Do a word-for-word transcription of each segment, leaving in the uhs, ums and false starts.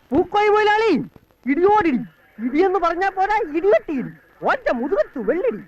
പൂക്കോയി മുതലാളി ഇടിയോടിടി, ഇടിയെന്ന് പറഞ്ഞാ പോരാ ഇടിവെട്ടിയിടി, ഒറ്റ മുതുകത്തു വെള്ളിടി.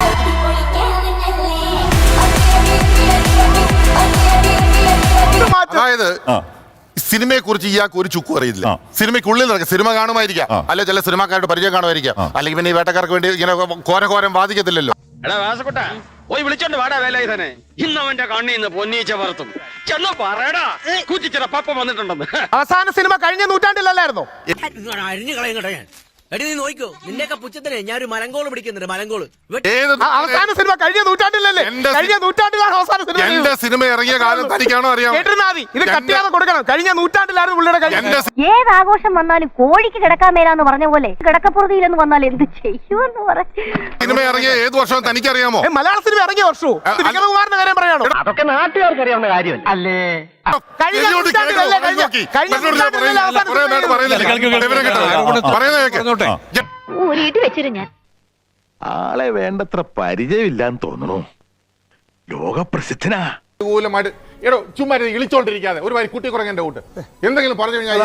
അതായത് സിനിമയെ കുറിച്ച് ഇയാൾക്ക് ഒരു ചുക്കും അറിയില്ല. സിനിമയ്ക്കുള്ളിൽ നടക്കുക, സിനിമ കാണുമായിരിക്കാം, അല്ലെ ചില സിനിമാക്കാരുടെ പരിചയം കാണുമായിരിക്കാം, അല്ലെങ്കിൽ പിന്നെ ഈ വേട്ടക്കാർക്ക് വേണ്ടി ഇങ്ങനെ കോര കോരം വാദിക്കത്തില്ലല്ലോ. പോയി വിളിച്ചോണ്ട് വാടാ വേലായുധനെ, ഇന്നവന്റെ കണ്ണിന്ന് പൊന്നീച്ച പറത്തും ചെന്ന് പറയടാ കുറ്റിച്ചിറ പപ്പ വന്നിട്ടുണ്ടെന്ന്. അവസാന സിനിമ കഴിഞ്ഞ നൂറ്റാണ്ടിലല്ലായിരുന്നോ? അരിഞ്ഞു കളയങ്ങട്ടെ ഞാൻ. എടി നീ നോക്കോ, നിന്റെയൊക്കെ പുച്ഛത്തിനെ ഞാൻ ഒരു മലങ്കോള് പിടിക്കുന്നുണ്ട്. മലങ്കോള് അവസാന സിനിമ കഴിഞ്ഞ നൂറ്റാണ്ടിലല്ലേ? കഴിഞ്ഞ നൂറ്റാണ്ടിലാണ് അവസാന സിനിമ. എന്റെ സിനിമ ഇറങ്ങിയ കാലം തനിക്കാണോ അറിയാം? കേട്ടിരുന്നാതി, ഇത് കട്ടിയാതെ കൊടുക്കണം. കഴിഞ്ഞ നൂറ്റാണ്ടിലാണ് പുള്ളിയുടെ കഴിഞ്ഞ. ഏത് ആഘോഷം വന്നാലും കോഴിക്ക് കിടക്കാൻ മേലാന്ന് പറഞ്ഞ പോലെ കിടക്കപ്പുറതിയിലെന്ന് വന്നാൽ എന്ത് ചെയ്യുമെന്ന് പറഞ്ഞു. സിനിമ ഇറങ്ങിയ ഏത് വർഷം തനിക്കറിയാമോ? മലയാള സിനിമ ഇറങ്ങിയ വർഷവും വിക്രമകുമാറിന്റെ കാര്യം പറയാണോ? അതൊക്കെ നാട്ടുകാർക്ക് അറിയാവുന്ന കാര്യമല്ല അല്ലേ? കഴിഞ്ഞ നൂറ്റാണ്ടിലല്ലേ? കഴിഞ്ഞ നൂറ്റാണ്ടിലല്ലേ അവസാന സിനിമ? ആളെ വേണ്ടത്ര പരിചയമില്ലാന്ന് തോന്നുന്നു. ലോകപ്രസിദ്ധനാ. എടോ ചുമ്മാ ഇളിച്ചോണ്ടിരിക്കാതെ ഒരു വരി കുട്ടി കുറങ്ങന്റെ കൂട്ട് എന്തെങ്കിലും പറഞ്ഞു കഴിഞ്ഞാൽ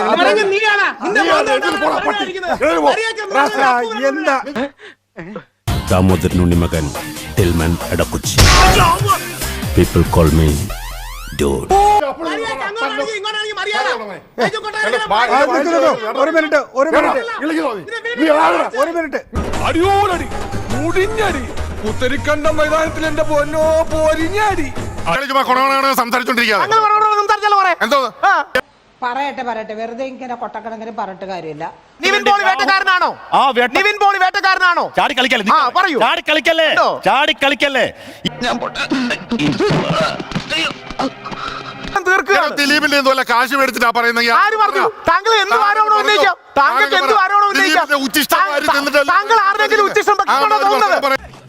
ദാമോദരൻ ഉണ്ണിമകൻ ടിൽമൻ എടക്കുച്ചി. People call me Dodd. ഒരു മിനിറ്റ് ഒരു മിനിറ്റ് ഒരു മിനിറ്റ് അടിയോടടി മുടിഞ്ഞടി പുത്തരിക്കണ്ട മൈതാനത്തിൽ എന്റെ പൊന്നോ പൊരിഞ്ഞടി. സംസാരിച്ചോണ്ടിരിക്കാതെ എന്തോ പറയട്ടെ പറയട്ടെ വെറുതെ ഇങ്ങനെ കൊട്ടക്കണക്കിന് പറഞ്ഞിട്ട് കാര്യമില്ല. നിവിൻ പോളി വേട്ടക്കാരനാണോ? നിവിൻ പോളി വേട്ടക്കാരനാണോ? ചാടി കളിക്കല്ലേ, ആ പറയൂ. ചാടി കളിക്കല്ലേ, ചാടി കളിക്കല്ലേ. ദിലീപിന്റെ എന്തോ കാശ് മേടിച്ചിട്ടാ പറയുന്നത്. ആര് പറഞ്ഞു? താങ്കൾ എന്ത് ആരോപണം ഉന്നയിക്കാം? താങ്കൾക്ക് എന്ത് ആരോപണം ഉന്നയിക്കാം? താങ്കൾ ആരുടെങ്കിലും ഉച്ചിഷ്ടം തോന്നുന്നത്?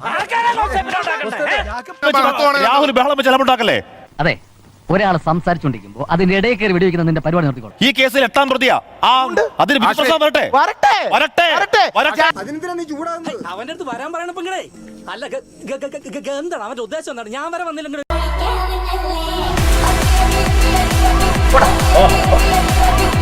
രാഹുൽ ബഹളം വെച്ച് അലമുണ്ടാക്കല്ലേ? അതെ, ഒരാൾ സംസാരിച്ചോണ്ടിരിക്കുമ്പോ അതിന്റെ ഇടയിൽ കയറി വെടിവെക്കുന്ന നിന്റെ പരിപാടി നിർത്തിക്കോളൂ. ഈ കേസിൽ എട്ടാം പ്രതിയാ. അതിന് വരട്ടെ വരട്ടെ വരട്ടെ വരട്ടെ. അവന്റെ അടുത്ത് വരാൻ പറയണപ്പോ ഇങ്ങനെ അല്ല എന്താണ് അവന്റെ ഉദ്ദേശം? എന്താണ് ഞാൻ വരെ വന്നില്ലെങ്കിൽ